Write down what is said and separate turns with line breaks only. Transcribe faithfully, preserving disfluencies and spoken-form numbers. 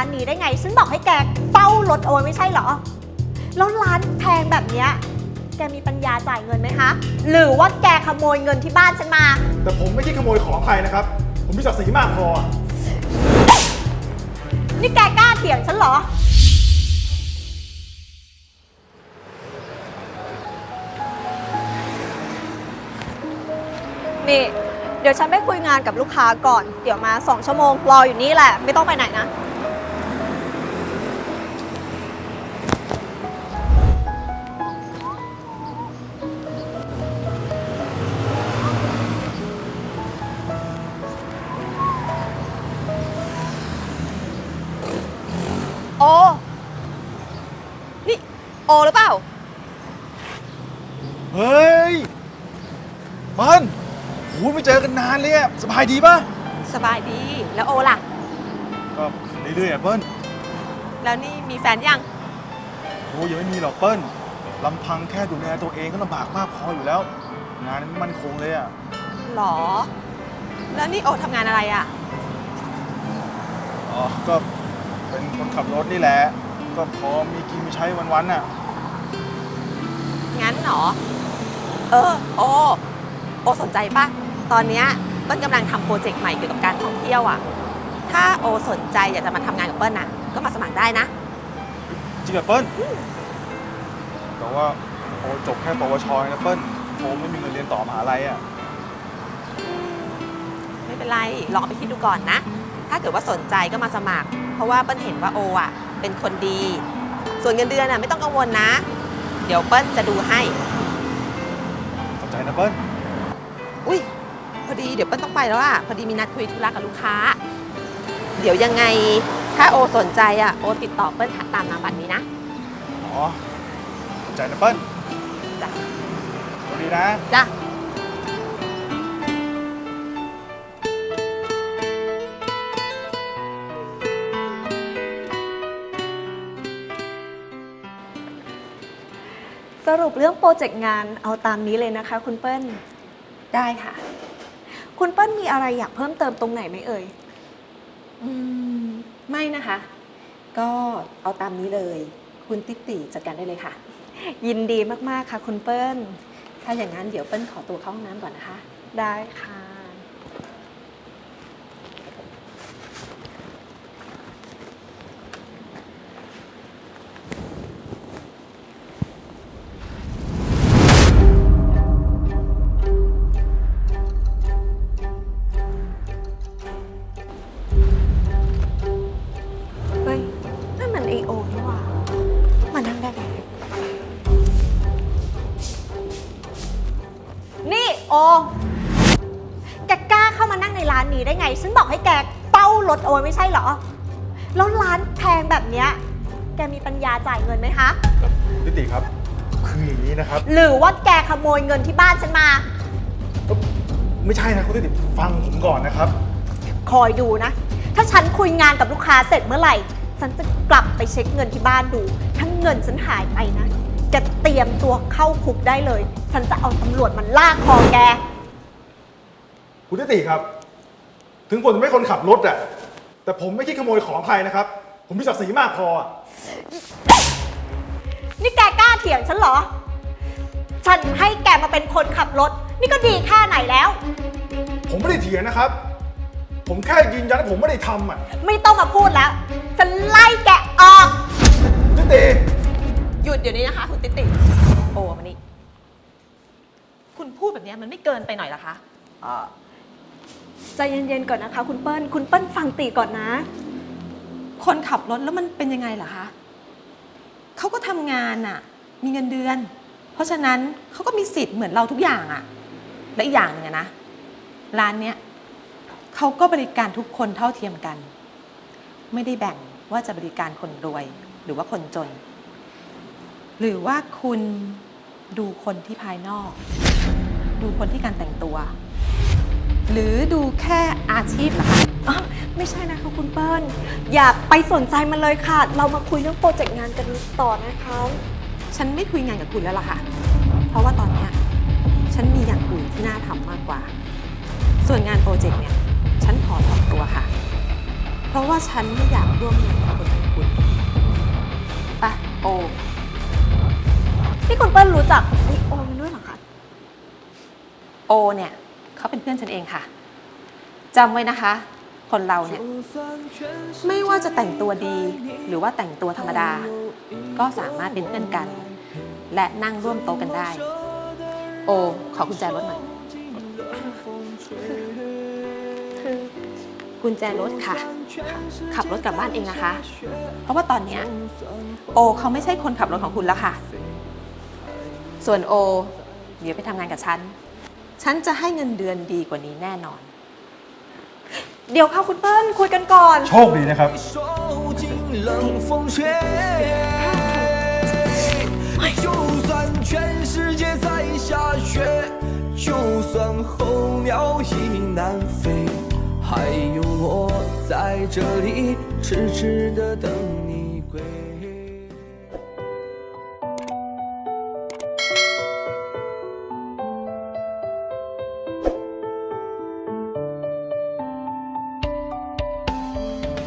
านนี้ได้ไงฉันบอกให้แกเฝ้ารถเอาไว้ไม่ใช่เหรอแล้วร้านแพงแบบเนี้ยแกมีปัญญาจ่ายเงินไหมคะหรือว่าแกขโมยเงินที่บ้านฉันมา
แต่ผมไม่ใช่ขโมยของใครนะครับผมมีศักดิ์ศรีมากพอ
นี่แกกล้าเถียงฉันเหรอนี่เดี๋ยวฉันไปคุยงานกับลูกค้าก่อนเดี๋ยวมาสองชั่วโมงรออยู่นี่แหละไม่ต้องไปไหนนะโอนี่โอหรือเปล่า
เฮ้ยเปิ้ลโหไม่เจอกันนานเลยอะสบายดีป่ะ
สบายดีแล้วโอล่ะ
ก็เรื่อยๆอะเปิ้ล
แล้วนี่มีแฟนยัง
โอ้ยังไม่มีหรอกเปิ้ลลำพังแค่ดูแลตัวเองก็ลำบากมากพออยู่แล้วงานไม่มั่นคงเลยอะ
หรอแล้วนี่โอทำงานอะไรอะ
อ๋อก็เป็นคนขับรถนี่แหละก็พอมีกินมีใช้วันๆน่ะ
งั้นหรอเออโอโอสนใจปะตอนนี้เปิ้ลกำลังทำโปรเจกต์ใหม่เกี่ยวกับการท่องเที่ยวอ่ะถ้าโอสนใจอยากจะมาทำงานกับเปิ้ลนะก็มาสมัครได้นะ
จริงเหรอเปิ้ลแต่ว่าโอจบแค่ปวชนะเปิ้ลโอไม่มีเงินเรียนต่อมหาลัยอ่ะ
ไม่เป็นไรลองไปคิดดูก่อนนะถ้าเกิดว่าสนใจก็มาสมัครเพราะว่าเปิ้ลเห็นว่าโออ่ะเป็นคนดีส่วนเงินเดือนอ่ะไม่ต้องกังวลนะเดี๋ยวเปิ้ลจะดูให้
ขอบใจนะเปิ้ล
อุ้ยพอดีเดี๋ยวเปิ้ลต้องไปแล้วอ่ะพอดีมีนัดคุยธุระกับลูกค้าเดี๋ยวยังไงถ้าโอสนใจอ่ะโอติดต่อเปิ้ลตามนามบัตรนี้นะ
อ๋อขอบใจนะเปิ้ล
จ้ะ
สวัสดีนะ
จ้ะสรุปเรื่องโปรเจกต์งานเอาตามนี้เลยนะคะคุณเปิ้ลได้ค่ะคุณเปิ้ลมีอะไรอยากเพิ่มเติมตรงไหนไหมเอ่ยอืมไม่นะคะก็เอาตามนี้เลยคุณติ๊ติจัดการได้เลยค่ะยินดีมากๆค่ะคุณเปิ้ลถ้าอย่างนั้นเดี๋ยวเปิ้ลขอตัวเข้าห้องน้ำก่อนนะคะได้ค่ะนี่โอแกกล้าเข้ามานั่งในร้านนี้ได้ไงฉันบอกให้แกเฝ้ารถเอาไว้ไม่ใช่เหรอแล้วร้านแพงแบบเนี้ยแกมีปัญญาจ่ายเงินไหมคะ
นิติครับคืออย่างนี้นะครับ
หรือว่าแกขโมยเงินที่บ้านฉันมา
ไม่ใช่นะคุณนิติฟังผมก่อนนะครับ
คอยดูนะถ้าฉันคุยงานกับลูกค้าเสร็จเมื่อไหร่ฉันจะกลับไปเช็คเงินที่บ้านดูถ้าเงินฉันหายไปนะแกเตรียมตัวเข้าคุกได้เลยฉันจะเอาตำรวจมันลากคอแก
คุณนิติครับถึงผมจะไม่คนขับรถอะแต่ผมไม่ใช่ขโมยของใครนะครับผมมีศักดิ์ศรีมากพอ
นี่แกกล้าเถียงฉันเหรอฉันให้แกมาเป็นคนขับรถนี่ก็ดีแค่ไหนแล้ว
ผมไม่ได้เถียงนะครับผมแค่ยืนยันว่าผมไม่ได้ทำอ่ะ
ไม่ต้องมาพูดแล้วฉันไล่แกออก
นิติ
หยุดเดี๋ยวนี้นะคะคุณติ๊ติโอ้มานี่คุณพูดแบบนี้มันไม่เกินไปหน่อยเหรอคะใจเย็นๆก่อนนะคะคุณเปิ้ลคุณเปิ้ลฟังตีก่อนนะคนขับรถแล้วมันเป็นยังไงเหรอคะเขาก็ทำงานอะมีเงินเดือนเพราะฉะนั้นเขาก็มีสิทธิ์เหมือนเราทุกอย่างอะและอีกอย่างหนึ่งนะร้านเนี้ยเขาก็บริการทุกคนเท่าเทียมกันไม่ได้แบ่งว่าจะบริการคนรวยหรือว่าคนจนหรือว่าคุณดูคนที่ภายนอกดูคนที่การแต่งตัวหรือดูแค่อาชีพเหรอคะอ๋อไม่ใช่นะคะคุณเปิ้ลอย่าไปสนใจมันเลยค่ะเรามาคุยเรื่องโปรเจกต์งานกันต่อนะคะฉันไม่คุยงานกับคุณแล้วล่ะค่ะเพราะว่าตอนนี้ฉันมีอย่างอื่นที่น่าทำมากกว่าส่วนงานโปรเจกต์เนี่ยฉันขอถอนตัวค่ะเพราะว่าฉันไม่อยากร่วมงานกับคนอย่างคุณไปโอนี่คุณเปิ้ลรู้จักไอโอมันด้วยเหรอคะโอเนี่ยเขาเป็นเพื่อนฉันเองค่ะจำไว้นะคะ คนเราเนี่ยไม่ว่าจะแต่งตัวดีหรือว่าแต่งตัวธรรมดา ก็สามารถเป็นเพื่อนกัน และนั่งร่วมโต๊ะกันได้ โอขอกุญแจรถหน่อยคือกุญแจรถค่ะ ขับรถกลับบ้านเองนะคะ เพราะว่าตอนเนี้ยโอเขาไม่ใช่คนขับรถของคุณแล้วค่ะ ส่วนโอเดี๋ยวไปทำงานกับฉัน ฉันจะให้เงินเดือนดีกว่านี้แน่นอน เดี๋ยวค่ะคุณเปิ้ลคุยกันก่อน
โชคดีนะครับ
就算全世界在下雪，就算候鸟已南飞，还有我在这里痴痴的等你归。